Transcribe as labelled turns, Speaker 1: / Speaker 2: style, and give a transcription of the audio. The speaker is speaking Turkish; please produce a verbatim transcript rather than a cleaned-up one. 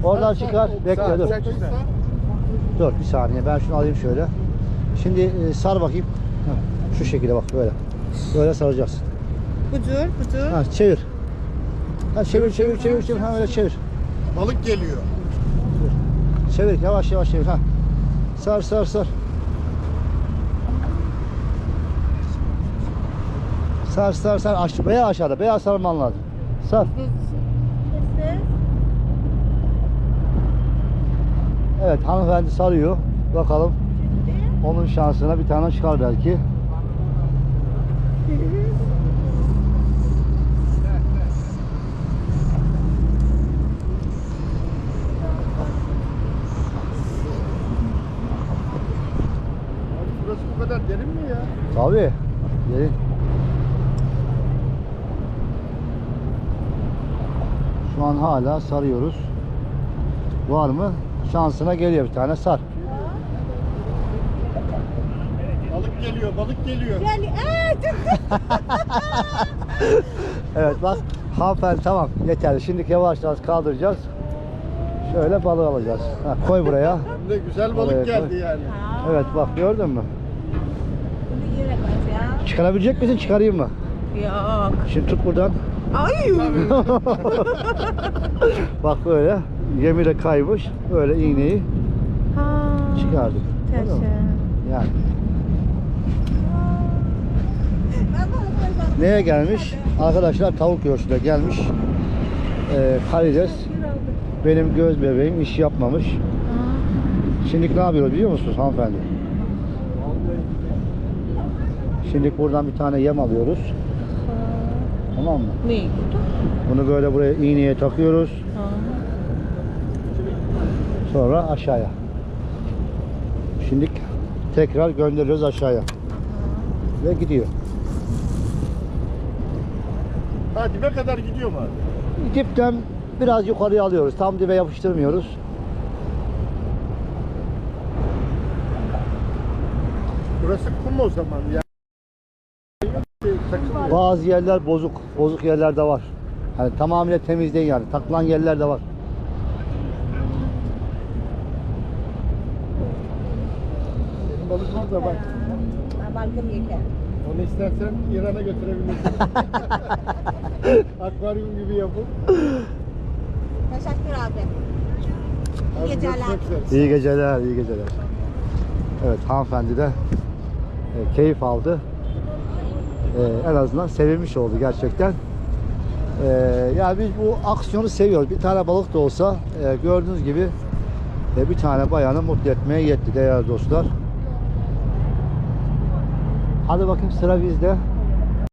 Speaker 1: Oradan çıkar. Bekle dur. Dur bir saniye. Ben şunu alayım şöyle. Şimdi e, sar bakayım. Heh, şu şekilde bak böyle. Böyle saracaksın.
Speaker 2: Budur, budur.
Speaker 1: Ha, çevir. Ha, çevir, çevir, çevir, çevir. Ha, öyle çevir.
Speaker 3: Balık geliyor.
Speaker 1: Çevir, yavaş yavaş çevir. Ha. Sar, sar, sar. Sar, sar, sar. Aş beyaz aşağıda. Beyaz sarman lazım. Sar. Evet, hanımefendi sarıyor. Bakalım. Onun şansına bir tane çıkar belki.
Speaker 3: Burası bu kadar derin mi ya?
Speaker 1: Tabii. Gelin. Şu an hala sarıyoruz. Var mı? Şansına geliyor bir tane, sar.
Speaker 3: Balık geliyor, balık geliyor.
Speaker 2: Yani eee
Speaker 1: Evet bak, hanımefendi tamam yeterli. Şimdi yavaş yavaş kaldıracağız. Şöyle balığı alacağız. Ha, koy buraya.
Speaker 3: Hem de güzel balık
Speaker 1: Oraya
Speaker 3: geldi
Speaker 1: koy.
Speaker 3: yani.
Speaker 1: Evet bak, gördün mü?
Speaker 2: Bunu yere koyacağım.
Speaker 1: Çıkarabilecek misin? Çıkarayım mı?
Speaker 2: Yok.
Speaker 1: Şimdi tut buradan.
Speaker 2: Ay.
Speaker 1: Bak böyle. Yemi de kaymış. Böyle iğneyi
Speaker 2: Ha.
Speaker 1: çıkardık. Anladın mı? Yani. Neye gelmiş? Arkadaşlar tavuk göğsüne gelmiş. Ee, karides. Benim göz bebeğim iş yapmamış. Şimdi ne yapıyoruz biliyor musunuz hanımefendi? Şimdi buradan bir tane yem alıyoruz. Tamam mı?
Speaker 2: Ne?
Speaker 1: Bunu böyle buraya iğneye takıyoruz. Sonra aşağıya. Şimdi tekrar gönderiyoruz aşağıya. Ve gidiyor.
Speaker 3: Ha, dibe kadar gidiyor mu abi?
Speaker 1: Dipten biraz yukarıya alıyoruz. Tam dibe yapıştırmıyoruz.
Speaker 3: Burası kum o zaman ya.
Speaker 1: Bazı yerler bozuk. Bozuk yerler de var. Yani tamamıyla temiz değil yani. Takılan yerler de var.
Speaker 3: Senin balık burada bak.
Speaker 2: Balkım yeter.
Speaker 3: Onu istersen İran'a götürebilirsin. Akvaryum gibi yapıp.
Speaker 2: Teşekkür abi.
Speaker 3: Abi
Speaker 2: İyi geceler.
Speaker 3: görüşmek üzere.
Speaker 1: İyi geceler, iyi geceler. Evet, hanımefendi de e, keyif aldı. E, en azından sevinmiş oldu gerçekten. E, yani biz bu aksiyonu seviyoruz. Bir tane balık da olsa e, gördüğünüz gibi e, bir tane bayanı mutlu etmeye yetti değerli dostlar. Hadi bakayım, sıra bizde.